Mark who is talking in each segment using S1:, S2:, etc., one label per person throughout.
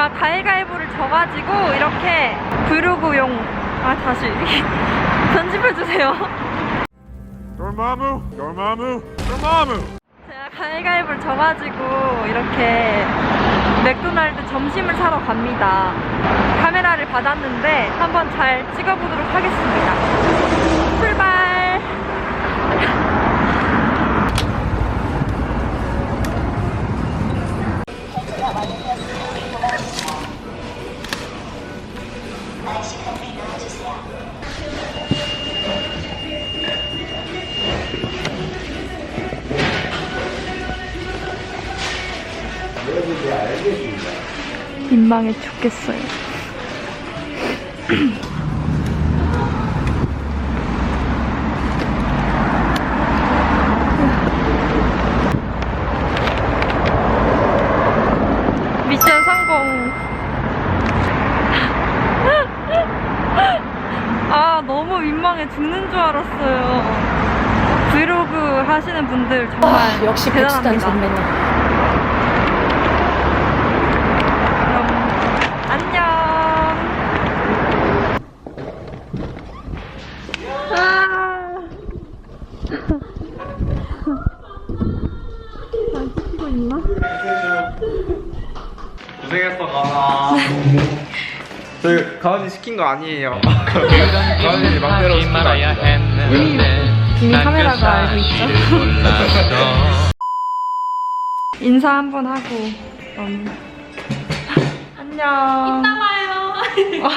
S1: 제가 가위가위보를 져가지고 이렇게 브이로그용 다시 편집해주세요.
S2: dormammu.
S1: 제가 가위가위보를 져가지고 이렇게 맥도날드 점심을 사러 갑니다. 카메라를 받았는데 한번 잘 찍어보도록 하겠습니다. 출발! 민망해 죽겠어요. 미션 성공. 너무 민망해 죽는 줄 알았어요. 브이로그 하시는 분들 정말
S3: 역시
S1: 대단합니다.
S3: 백수단 선배님.
S1: 안녕. 찍히고 있나?
S4: 고생했어, 가은아. 저희 가은이 시킨 거 아니에요. 가은이 맘대로 시킨 거 아니에요.
S1: 이미 카메라가 알고 있죠? 인사 한번 하고 안녕.
S3: 이따 봐요.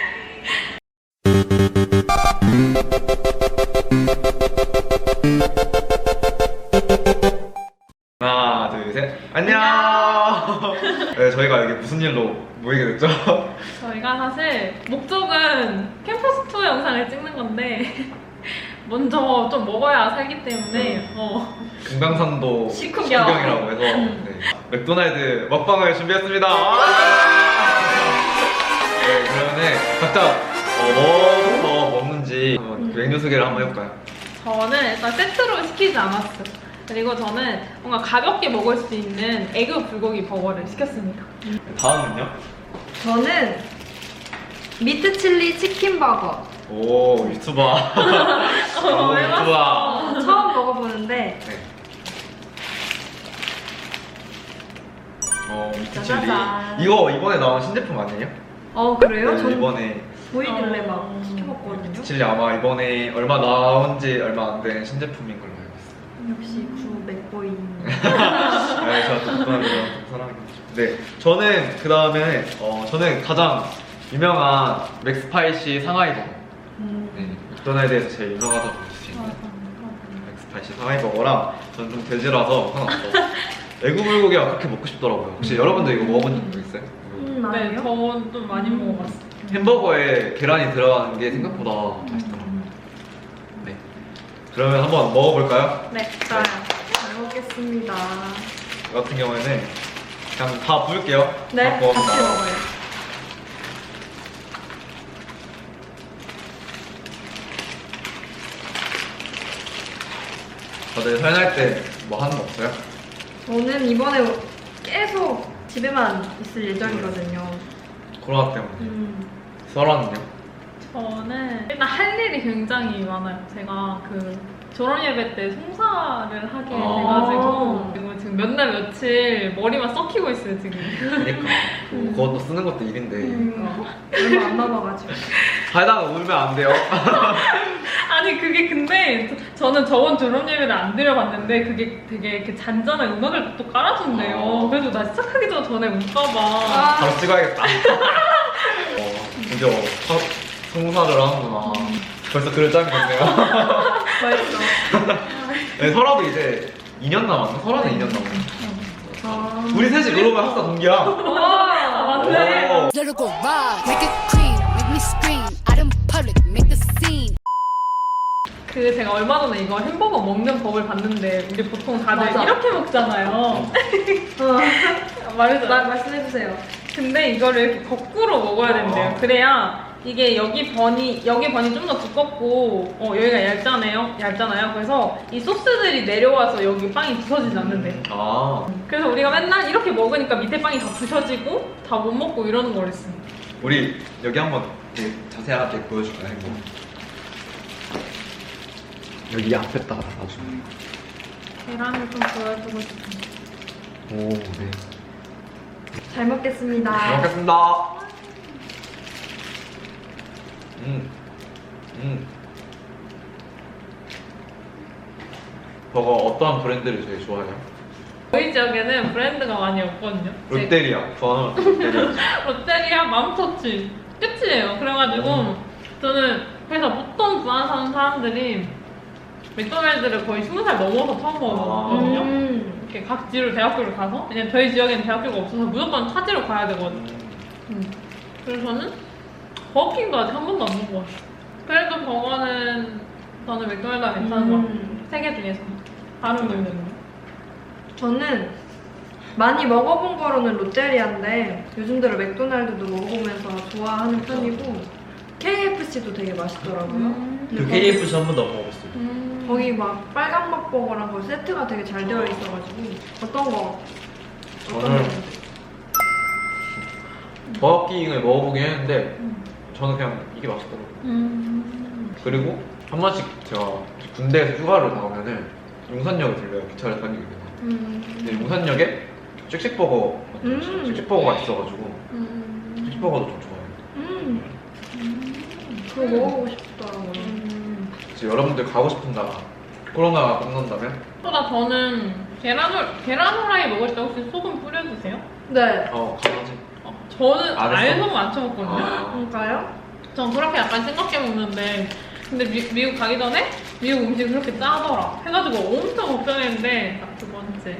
S4: 하나, 둘, 셋. 안녕. 네, 저희가 여기 무슨 일로 모이게 됐죠?
S3: 저희가 사실 목적은 캠퍼스 투어 영상을 찍는 건데 먼저 좀 먹어야 살기 때문에
S4: 금강산도
S3: 식후경.
S4: 식후경이라고 해서 네, 맥도날드 먹방을 준비했습니다. 네, 그러면은 각자 뭐부터 먹는지 한번 메뉴 소개를 한번 해볼까요?
S3: 저는 일단 세트로 시키지 않았어요. 그리고 저는 뭔가 가볍게 먹을 수 있는 에그 불고기 버거를 시켰습니다.
S4: 다음은요?
S1: 저는 미트 칠리 치킨 버거
S4: 오, 유튜버. 오, 유튜버.
S1: 처음 먹어보는데
S4: 네. 미트 칠리.
S3: 짜자잔.
S4: 이거 이번에 나온 신제품 아니에요?
S1: 그래요?
S4: 네,
S1: 전
S4: 이번에
S1: 보이길래 막 시켜먹거든요.
S4: 미트 칠리 아마 이번에 얼마 나온 지 얼마 안 된 신제품인 걸로 알고 있어요.
S1: 역시 구 맥보이.
S4: 네, 제가 또 맥도날드랑 사랑하겠죠. 네, 저는 그 다음에 저는 가장 유명한 맥스파이시 상하이 버거. 네, 맥도날드에서 제일 유명하다고 볼 수 있는 맥스파이시 상하이 버거랑 저는 좀 돼지라서 하나 더. 에그 불고기가 그렇게 먹고 싶더라고요. 혹시 여러분들 이거 먹어본 적 있어요?
S3: 네,
S1: 아니요?
S3: 저는 좀 많이 먹어봤어요.
S4: 햄버거에 계란이 들어가는 게 생각보다 맛있더라고요. 네, 그러면 한번 먹어볼까요?
S1: 네, 좋아요. 잘 먹겠습니다.
S4: 저 같은 경우에는 그냥 다 부을게요.
S1: 네,
S4: 다 부어서
S1: 같이
S4: 나와요.
S1: 먹어요.
S4: 다들 설날 때 뭐 하는 거 없어요?
S1: 저는 이번에 계속 집에만 있을 예정이거든요.
S4: 코로나 때문에. 설화는요?
S3: 저는 일단 할 일이 굉장히 많아요. 제가 그 졸업 예배 때 송사를 하게 돼가지고 그리고 지금 몇 날 며칠 머리만 썩히고 있어요 지금.
S4: 그니까 그것도 쓰는 것도 일인데
S1: 얼마 안 남아가지고.
S4: 살다가 울면 안 돼요.
S3: 아니 그게 근데 저는 저번 졸업 예배를 안 드려봤는데 그게 되게 이렇게 잔잔한 음악을 또 깔아준대요. 그래서 나 시작하기 전에 울까봐.
S4: 바로 찍어야겠다. 드디어 송사를 하는구나. 벌써 그럴 짬이 됐네요.
S1: 맛있어.
S4: 네, 설화도 이제 2년 남았나? 설화는 2년 남았나? 우리 셋이 그러면 학사 동기야.
S3: 아 맞네.
S4: 오.
S5: Let her go ride, make it cream, make me scream. Out in public, make the scene.
S3: 그 제가 얼마 전에 이거 햄버거 먹는 법을 봤는데 우리 보통 다들
S1: 맞아.
S3: 이렇게 먹잖아요. 말해줘.
S1: 말씀해주세요.
S3: 근데 이거를 이렇게 거꾸로 먹어야 된대요. 그래야 이게 여기 번이 좀 더 두껍고 여기가 얇잖아요. 그래서 이 소스들이 내려와서 여기 빵이 부서지지 않는데.
S4: 아,
S3: 그래서 우리가 맨날 이렇게 먹으니까 밑에 빵이 다 부서지고 다 못 먹고 이러는 거랬어.
S4: 우리 여기 한번 되게 자세하게 보여줄까요? 이거? 여기 앞에다가 놔주네.
S3: 계란을 좀 보여주고 싶어.
S4: 오, 네.
S1: 잘 먹겠습니다.
S4: 잘 먹겠습니다. 저거 어떠한 브랜드를 제일 좋아해요?
S3: 저희 지역에는 브랜드가 많이 없거든요.
S4: 롯데리아. 저는 롯데리아.
S3: 롯데리아, 맘터치 끝이에요. 그래가지고 저는 그래서 보통 부산 사는 사람들이 맥도날드를 거의 20살 넘어서 처음 먹었거든요. 이렇게 각 지로 대학교를 가서 왜냐면 저희 지역에는 대학교가 없어서 무조건 타지로 가야 되거든요. 그래서 버거킹도 아직 한 번도 안 먹어봤어요. 그래도 저는 맥도날드가 괜찮은 것 같아요. 세 개 중에서 다른 분들은
S1: 저는 많이 먹어본 거로는 롯데리아인데 요즘 들어 맥도날드도 먹어보면서 좋아하는 편이고 KFC도 되게 맛있더라고요.
S4: 그
S1: 근데
S4: KFC 한 번도 안 먹어봤어요.
S1: 거기 막 빨간 맛버거랑 거 세트가 되게 잘 되어 있어가지고 어떤 거?
S4: 저는 버거킹을 먹어보긴 했는데 저는 그냥 이게 맛있더라고요. 그리고 한 번씩 제가 군대에서 휴가를 나오면은 용산역에 들려요. 기차를 타기 위해서. 근데 용산역에 씩씩버거 씩씩버거가 있어가지고 씩씩버거도 좀 좋아해요.
S1: 그거 먹어보고 싶더라고요.
S3: 음.
S4: 여러분들 가고 싶은 나라 코로나가 끝난다면
S3: 저는 계란 후라이 먹을 때 혹시 소금 뿌려 드세요?
S1: 네.
S4: 강아지
S3: 저는
S4: 안
S3: 아예
S4: 했어?
S3: 소금 안 쳐먹거든요.
S1: 그럴까요?
S3: 전 그렇게 약간 싱겁게 먹는데 근데 미국 가기 전에 미국 음식이 그렇게 짜더라 해가지고 엄청 걱정했는데 딱 두 번째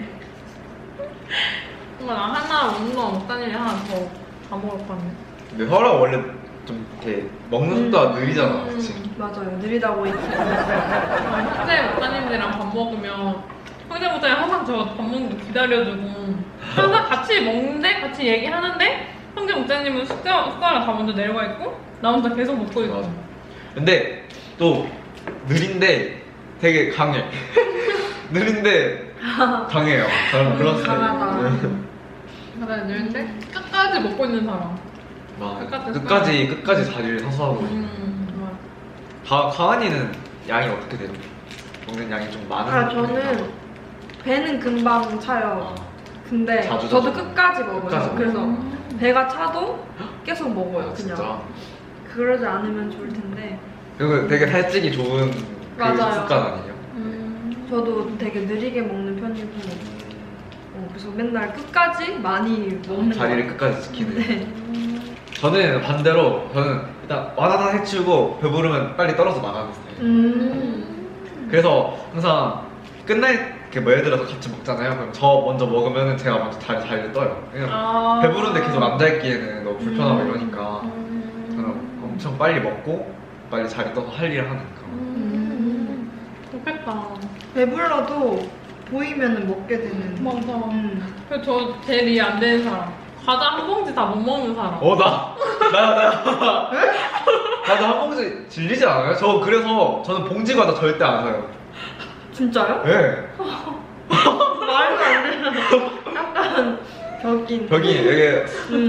S3: 정말 나 하나 먹는 거 먹다니 하나 더 다 먹을 것 같네.
S4: 근데 혈압 원래 좀 이렇게 먹는 속도가 느리잖아. 그치?
S1: 맞아요. 느리다고 했죠.
S3: 형제 목사님들이랑 밥 먹으면 형제 목사님 항상 저 밥 먹는 거 기다려주고 항상 같이 먹는데 같이 얘기하는데 형제 목사님은 숟가락 다 먼저 내려가 있고 나 혼자 계속 먹고 있고.
S4: 맞아. 근데 또 느린데 되게 강해. 느린데 강해요. 저는 그런 스타일.
S1: 강하다.
S3: 맞아요. 늘때 끝까지 먹고 있는 사람.
S4: 끝까지 자리를 서서 하고 있는.
S3: 맞아.
S4: 가은이는 양이 어떻게 돼요? 먹는 양이 좀 많은
S1: 저는 배는 금방 차요. 근데
S4: 자주
S1: 저도
S4: 자주
S1: 끝까지 먹어요.
S4: 끝까지
S1: 그래서 배가 차도 계속 먹어요.
S4: 아,
S1: 그냥.
S4: 진짜.
S1: 그러지 않으면 좋을 텐데.
S4: 그리고 되게 살찌기 좋은 그
S1: 맞아요.
S4: 습관 아니에요?
S1: 저도 되게 느리게 먹는 편이고. 그래서 맨날 끝까지 많이 먹는
S4: 자리를
S1: 것
S4: 끝까지 지키는.
S1: 네.
S4: 저는 반대로 저는 일단 와다다 해치우고 배부르면 빨리 떨어져 나가는 스타일. 그래서 항상 끝날 뭐 예를 들어서 같이 먹잖아요. 그럼 저 먼저 먹으면 제가 먼저 자리를 떠요. 그냥 배부른데 계속 앉아있기에는 너무 불편하고 이러니까 저는 엄청 빨리 먹고 빨리 자리 떠서 할 일을 하니까.
S3: 좋겠다.
S1: 배불러도 보이면 먹게 되는.
S3: 맞아. 그래서 저 제일 이해 안 되는 사람. 과자 한 봉지 다 못 먹는 사람.
S4: 나도 한 봉지 질리지 않아요? 저 그래서 저는 봉지 과자 절대 안 사요.
S1: 진짜요?
S4: 네.
S1: 말도 안 되는. 약간 벽인.
S4: 벽이 되게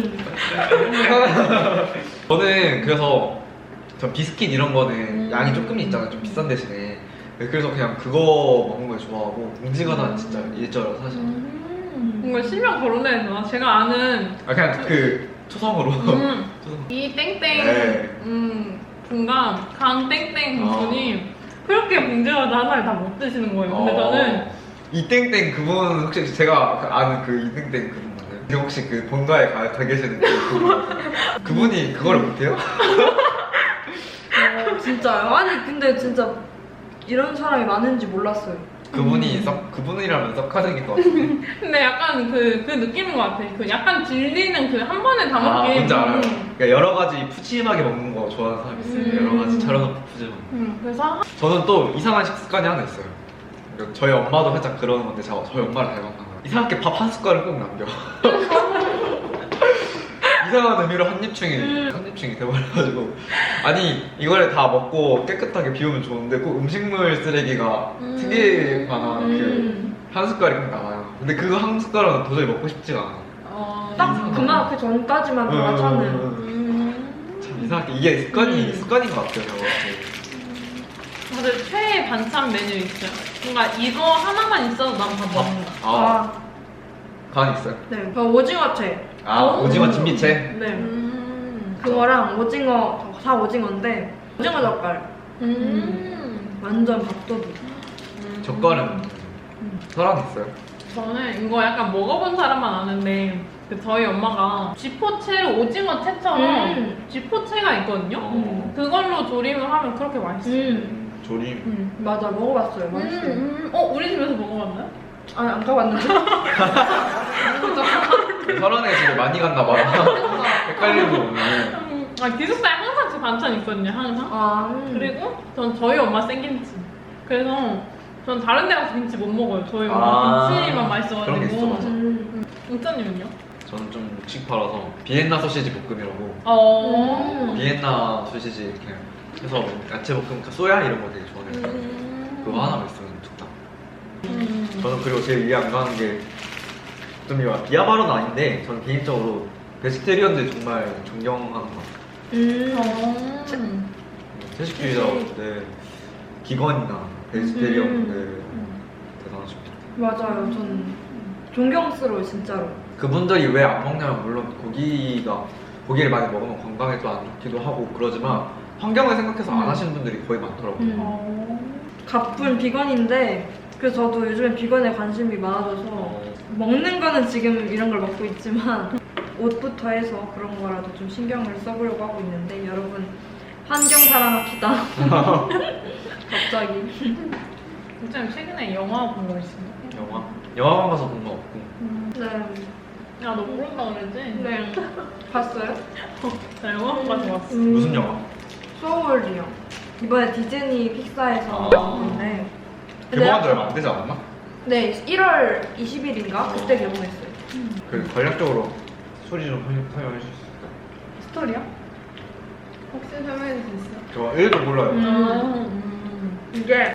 S4: 저는 그래서 저 비스킷 이런 거는 양이 조금 있잖아요. 좀 비싼 대신에. 네, 그래서 그냥 그거 먹는 걸 좋아하고 봉지 과자는 진짜 일절로 사실.
S3: 뭔가 실명 거론해야 되나? 제가 아는
S4: 그냥 그 초성으로. 초성.
S3: 이 땡땡
S4: 네.
S3: 분과 강 땡땡 분이 그렇게 봉지 과자 하나를 다 못 드시는 거예요. 근데 저는
S4: 이땡땡 그분 혹시 제가 아는 그 이땡땡 그분 맞나요? 그 혹시 그 본가에 가 계시는 그분이 그거를 못해요?
S1: 진짜요? 아니 근데 진짜 이런 사람이 많은지 몰랐어요.
S4: 그분이라면 썩하는 것 같은데.
S3: 근데 약간 그 느낌인 것 같아. 그 약간 질리는 그 한 번에 다 먹기.
S4: 뭔지 알아요. 그러니까 여러 가지 푸짐하게 먹는 거 좋아하는 사람이 있어요. 여러 가지 차려놓고 푸짐하게.
S3: 그래서
S4: 저는 또 이상한 식습관이 하나 있어요. 그러니까 저희 엄마도 살짝 그러는 건데 저희 엄마를 닮았나 봐요. 이상하게 밥 한 숟갈을 꼭 남겨. 이상한 의미로 한입충이 돼버려가지고 아니 이거를 다 먹고 깨끗하게 비우면 좋은데 꼭 음식물 쓰레기가 튀길 만한 그 한 숟갈이 꼭 나와요. 근데 그거 한 숟갈은 도저히 먹고 싶지가 않아.
S1: 딱 그 전까지만 다 차는.
S4: 참 이상하게 이게 습관인 것 같아요. 저거.
S3: 다들 최애 반찬 메뉴 있어요? 뭔가 이거 하나만 있어도 난 다 먹는다.
S4: 간 있어요?
S1: 네, 저 오징어채.
S4: 오징어 진미채?
S1: 네. 그거랑 오징어, 다 오징어인데 오징어 젓갈. 완전 밥도둑.
S4: 젓갈은 사람 있어요?
S3: 저는 이거 약간 먹어본 사람만 아는데 그 저희 엄마가 쥐포채로 오징어 채처럼 쥐포채가 있거든요. 그걸로 조림을 하면 그렇게 맛있어요.
S4: 조림.
S1: 맞아, 먹어봤어요. 맛있어요.
S3: 우리 집에서 먹어봤나요?
S1: 아니, 안 가봤는데.
S4: 설원에 집에 많이 갔나 봐요. 헷갈리고 오늘.
S3: 기숙사에 항상 그 반찬 있거든요, 항상. 그리고 전 저희 엄마 생김치. 그래서 전 다른 데 가서 김치 못 먹어요. 저희 엄마 김치만 맛있어가지고.
S4: 그런 게 있어, 맞아.
S3: 웅짜님은요?
S4: 저는 좀 묵직팔아서 비엔나 소시지 볶음이라고. 비엔나 소시지 이렇게 해서 야채 볶음, 소야 이런 거 되게 좋아해요. 그거 하나만 있으면 좋다. 저는 그리고 제일 이해 안 가는 게 좀 비하 발언은 아닌데 저는 개인적으로 베지테리언들 정말 존경하는 것 같아요. 채식주의자들, 기건이나 베지테리언들 대단하십니다.
S1: 맞아요. 전 존경스러워요, 진짜로.
S4: 그분들이 왜 안 먹냐면 물론 고기를 많이 먹으면 건강에 또 안 좋기도 하고 그러지만 환경을 생각해서 안 하시는 분들이 거의 많더라고요.
S1: 가쁜 비건인데 그래서 저도 요즘에 비건에 관심이 많아져서 먹는 거는 지금 이런 걸 먹고 있지만 옷부터 해서 그런 거라도 좀 신경을 써보려고 하고 있는데 여러분 환경 사랑합시다. 갑자기.
S3: 웅짜님 최근에 영화 본 거 있어요?
S4: 영화관 가서 본 거 없고.
S1: 네.
S3: 야, 너 모른다 그랬지?
S1: 네. 봤어요?
S3: 나 영화관 가서 왔어.
S4: 무슨 영화?
S1: 소울이요. 이번에 디즈니 픽사에서 나왔는데
S4: 개봉한 지 얼마 안 되지 않았나?
S1: 네, 1월 20일인가? 그때 개봉했어요.
S4: 그 관략적으로 소리 좀 설명해 주실 수 있을까요?
S3: 스토리요? 혹시 설명해 줄 수 있어요?
S4: 저 1도 몰라요.
S1: 이게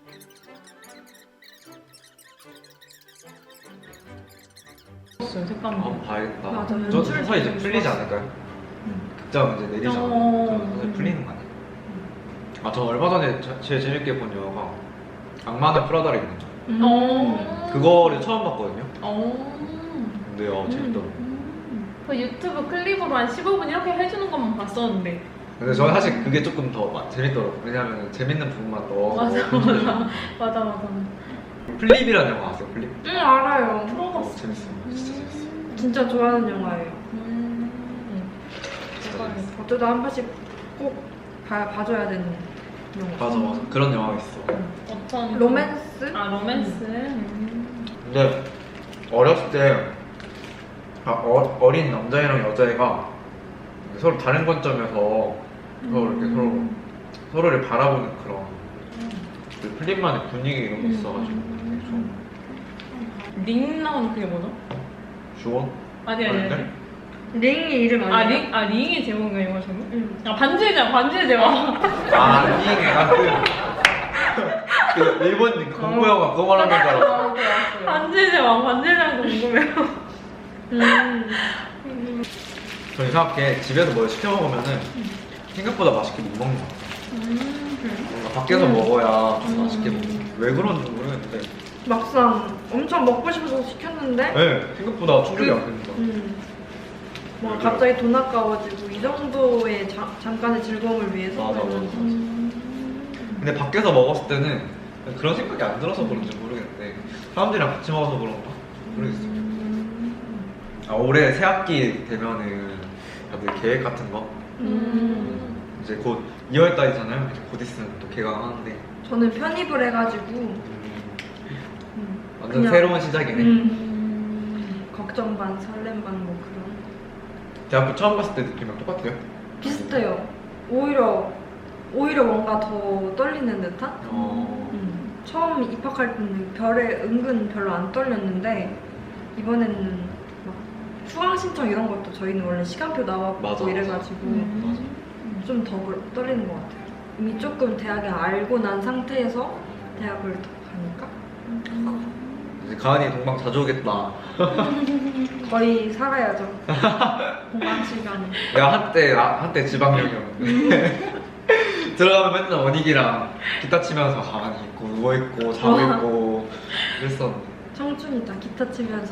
S3: 색감.
S4: 한번 봐야겠다.
S1: 맞아,
S4: 저
S1: 연출
S4: 서서히 이제
S1: 되게
S4: 풀리지
S1: 좋았어.
S4: 않을까요? 극장 이제 내리잖아요. 서서히 풀리는 거 아니에요? 저 얼마 전에 제일 재밌게 본 영화가 악마는 프라다를 입는 자. 그거를 처음 봤거든요. 근데 재밌더라고요.
S3: 그 유튜브 클립으로 한 15분 이렇게 해주는 것만 봤었는데.
S4: 근데 저는 사실 그게 조금 더 재밌더라고요. 왜냐면 재밌는 부분만 넣어서.
S3: 맞아.
S4: 플립이라는 영화 아세요? 플립?
S1: 응, 알아요.
S4: 재밌어요. 진짜 재밌어요.
S1: 진짜 좋아하는 영화예요. 어쩌다 한 번씩 꼭 봐줘야 되는 영화.
S4: 맞아. 그런 영화가 있어.
S3: 어떤
S1: 로맨스?
S3: 로맨스.
S4: 근데 어렸을 때 어린 남자애랑 여자애가 서로 다른 관점에서 서로를 바라보는 그런 그 플립만의 분위기 이런 거 있어가지고 되게 좋은
S3: 링 나오는 그게 뭐죠?
S4: 주원?
S3: 아니.
S1: 링이 이름 아니에요?
S3: 링이 제목이에요, 이거 제목?
S1: 응.
S3: 반지의 제왕.
S4: 그 일본 공부 영화 그거 말하는 줄 알았어.
S3: 반지의 제왕도 궁금해요.
S4: 저는 이상하게 집에서 뭘 시켜 먹으면은 생각보다 맛있게 못 먹는 것 같아요. 뭔가 밖에서 먹어야 좀 맛있게 먹는. 왜 그런지 모르겠는데.
S1: 막상 엄청 먹고 싶어서 시켰는데
S4: 네, 생각보다 충족이 안 됩니다.
S1: 뭐 갑자기 돈 아까워지고 이 정도의 잠깐의 즐거움을 위해서
S4: 맞아.
S1: 그러면
S4: 근데 밖에서 먹었을 때는 그런 생각이 안 들어서 그런지 모르겠는데 사람들이랑 같이 먹어서 그런가? 모르겠어요. 올해 새학기 되면은 다들 계획 같은 거 이제 곧 2월달이잖아요. 곧 있으면 또 개강하는데
S1: 저는 편입을 해가지고
S4: 완전
S1: 그냥-
S4: 새로운 시작이네.
S1: 걱정 반 설렘 반 뭐 그런
S4: 대학교 처음 갔을 때 느낌이랑 똑같아요?
S1: 비슷해요. 오히려 뭔가 더 떨리는 듯한? 처음 입학할 때는 은근 별로 안 떨렸는데 이번에는 막 수강 신청 이런 것도 저희는 원래 시간표 나왔고
S4: 맞아.
S1: 이래가지고 좀 더 떨리는 것 같아요. 이미 조금 대학에 알고 난 상태에서 대학을 더 가니까
S4: 이제 가은이 동방 자주 오겠다.
S1: 거의 살아야죠. 공강 시간에.
S4: 내가 한때 지방령이었는데 들어가면 맨날 원익이랑 기타 치면서 가만히 있고 누워있고 자고 있고 그랬었는데
S1: 청춘이다 기타 치면서.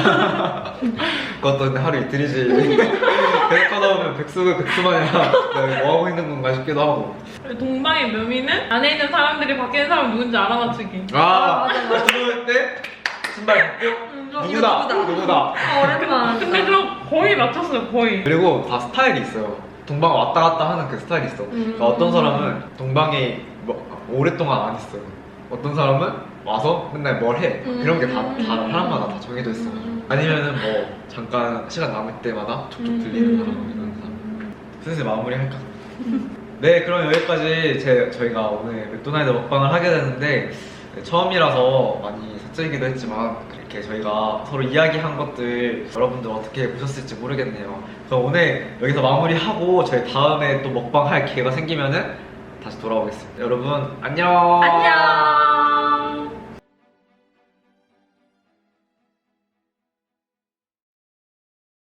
S4: 그것도 근데 하루 이틀이지. 계속 하다 보면 백수마냥 내가 뭐 하고 있는 건가 싶기도 하고.
S3: 동방의 묘미는 안에 있는 사람들이 밖에 있는 사람 누군지 알아맞추기.
S4: 맞아. 들어올 때 신발 벗고 누구다.
S1: 아, 오랜만.
S3: 근데 저 거의 맞췄어요, 거의.
S4: 그리고 다 스타일이 있어요. 동방 왔다 갔다 하는 그 스타일이 있어. 그러니까 어떤 사람은 동방에 오랫동안 안 있어요. 어떤 사람은 와서 맨날 뭘 해. 그런 게 다 사람마다 다 정해져 있어. 아니면은 뭐 잠깐 시간 남을 때마다 족족 들리는 사람 이런 사람. 슬슬 마무리할까? 네, 그럼 여기까지 저희가 오늘 맥도날드 먹방을 하게 되는데 처음이라서 많이 사적이기도 했지만 그렇게 저희가 서로 이야기한 것들 여러분들 어떻게 보셨을지 모르겠네요. 그럼 오늘 여기서 마무리하고 저희 다음에 또 먹방 할 기회가 생기면은 다시 돌아오겠습니다. 여러분 안녕.
S1: 안녕.